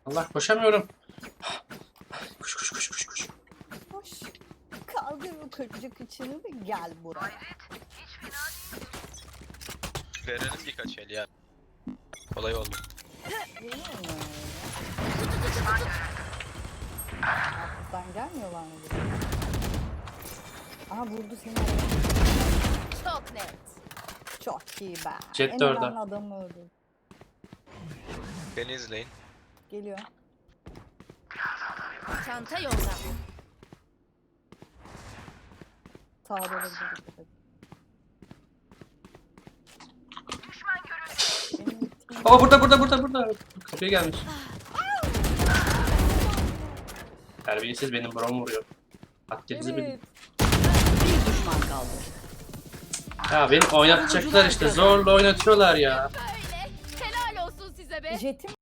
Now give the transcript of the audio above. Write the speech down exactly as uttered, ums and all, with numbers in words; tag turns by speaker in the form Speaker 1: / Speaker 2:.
Speaker 1: Allah koşamıyorum. Koş koş koş koş koş.
Speaker 2: Hoş. Kaldır o kırıcı kıçını ve gel buraya.
Speaker 3: Verelim birkaç el ya. Kolay oldu.
Speaker 2: Geliyor mu? Alttan gelmiyorlar mı buraya? Aha vurdu seni.
Speaker 4: Çok net.
Speaker 2: Çok iyi be.
Speaker 1: Jet
Speaker 2: En
Speaker 1: de orada.
Speaker 2: önemli adamı öldürdü.
Speaker 3: Beni izleyin.
Speaker 2: Geliyor.
Speaker 4: Çanta yolda.
Speaker 2: Sağda olabilir. Dikkat et. Benim gittiğim-
Speaker 1: Aa burada burada burada burada. Kapıya gelmiş. Terbiyesiz benim brom vuruyor. Hakkınızı bilin.
Speaker 2: Evet.
Speaker 5: Bir düşman kaldı.
Speaker 1: Ya beni oynatacaklar işte zorla oynatıyorlar ya.
Speaker 4: Böyle. Helal olsun size be.
Speaker 2: Jetim